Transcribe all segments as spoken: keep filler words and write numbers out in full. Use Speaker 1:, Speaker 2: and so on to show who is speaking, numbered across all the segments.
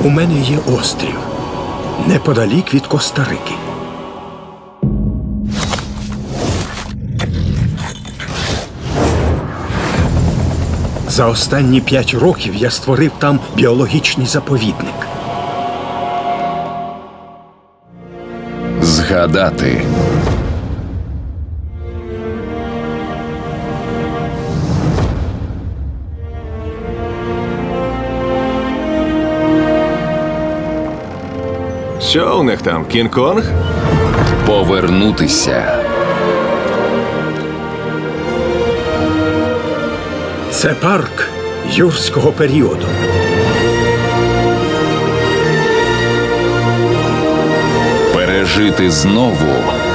Speaker 1: У мене є острів неподалік від Коста-Рики. За останні п'ять років я створив там біологічний заповідник.
Speaker 2: Згадати.
Speaker 3: Що у них там, Кінг-Конг?
Speaker 2: Повернутися.
Speaker 1: Це парк юрського періоду.
Speaker 2: Пережити знову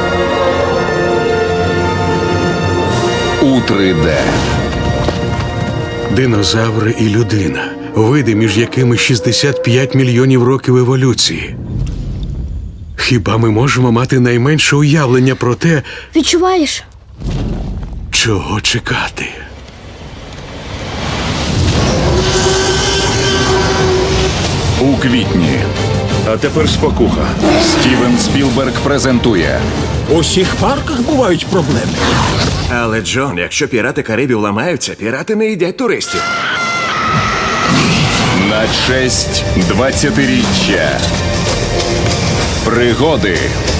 Speaker 2: у три де.
Speaker 4: Динозаври і людина. Види, між якими шістдесят п'ять мільйонів років еволюції. Хіба ми можемо мати найменше уявлення про те,
Speaker 5: Відчуваєш?
Speaker 4: чого чекати?
Speaker 2: У квітні.
Speaker 3: А тепер спокуха.
Speaker 2: Стівен Спілберг презентує
Speaker 1: У всіх парках бувають проблеми.
Speaker 3: Але, Джон, якщо пірати Карибів ламаються, пірати не їдять туристів.
Speaker 2: на честь двадцятиріччя. Пригоди,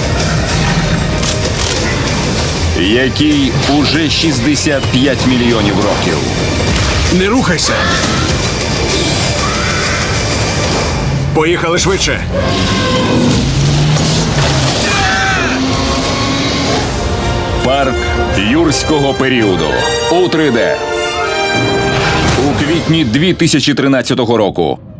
Speaker 2: якій уже шістдесят п'ять мільйонів років.
Speaker 4: Не рухайся!
Speaker 3: Поїхали швидше.
Speaker 2: Парк юрського періоду у три де. У квітні дві тисячі тринадцятого року.